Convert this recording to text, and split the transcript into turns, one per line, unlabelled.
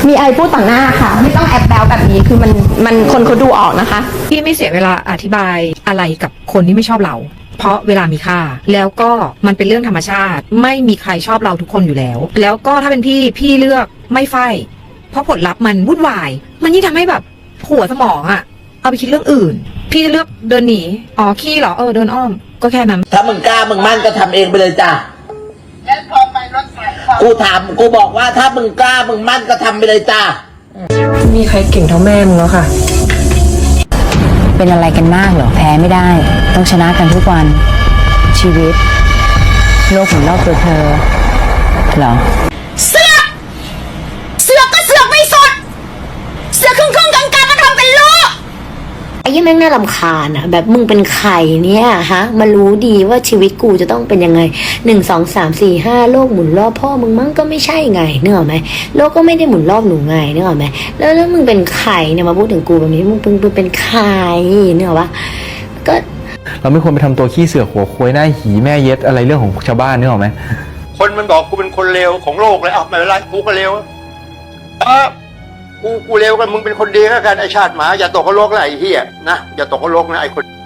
มีไอพูดต่อหน้าค่ะไม่ต้องแอบแบลแบบนี้คือมันคนเขาดูออกนะคะ
พี่ไม่เสียเวลาอธิบายอะไรกับคนที่ไม่ชอบเราเพราะเวลามีค่าแล้วก็มันเป็นเรื่องธรรมชาติไม่มีใครชอบเราทุกคนอยู่แล้วแล้วก็ถ้าเป็นพี่เลือกไม่ไฟเพราะผลลัพธ์มันวุ่นวายมันยิ่งทำให้แบบหัวสมองอะเอาไปคิดเรื่องอื่นพี่เลือกเดินหนีอ๋อขี้เหรอเดินอ้อมก็แค่นั้น
ถ้ามึงกล้ามึงมั่นก็ทำเองไปเลยจ้ะแล้วพอไปรถไฟกูบอกว่าถ้ามึงกล้ามึงมั่นก็ทำไปเลยจ้ะ
มีใครเก่งเท่าแม่มึงแล้วค่ะ
เป็นอะไรกันมากเหรอแพ้ไม่ได้ต้องชนะกันทุกวันชีวิตโลกหมุนรอบตัวเธอเหรอ
เสือกก็เสือกไม่สดเสือกครึ่งกลางก็ทำเป็นลูกไอ้ยี่แม่งน่ารำคาญอะแบบมึงเป็นใครเนี่ยฮะมารู้ดีว่าชีวิตกูจะต้องเป็นยังไง1 2 3 4 5โลกหมุนรอบพ่อมึงมั้งก็ไม่ใช่ไงเนกออกไหมโลกก็ไม่ได้หมุนรอบหนูไงเนกออกไหมแล้วมึงเป็นใครเนี่ยมาพูดถึงกูแบบนี้มึงเป็นใครเนกออกปะก็
เราไม่ควรไปทำตัวขี้เสือกหัวโคยหน้าหีแม่เย็ดอะไรเรื่องของชาวบ้านนึกออกไหม
คนมันบอกกูเป็นคนเลวของโลกเลยไม่เป็นไรกูก็เลวกูเลวกันมึงเป็นคนดีแล้วกันไอชาติหมาอย่าตกนรกนะไอเหี้ยนะอย่าตกนรกนะไอคน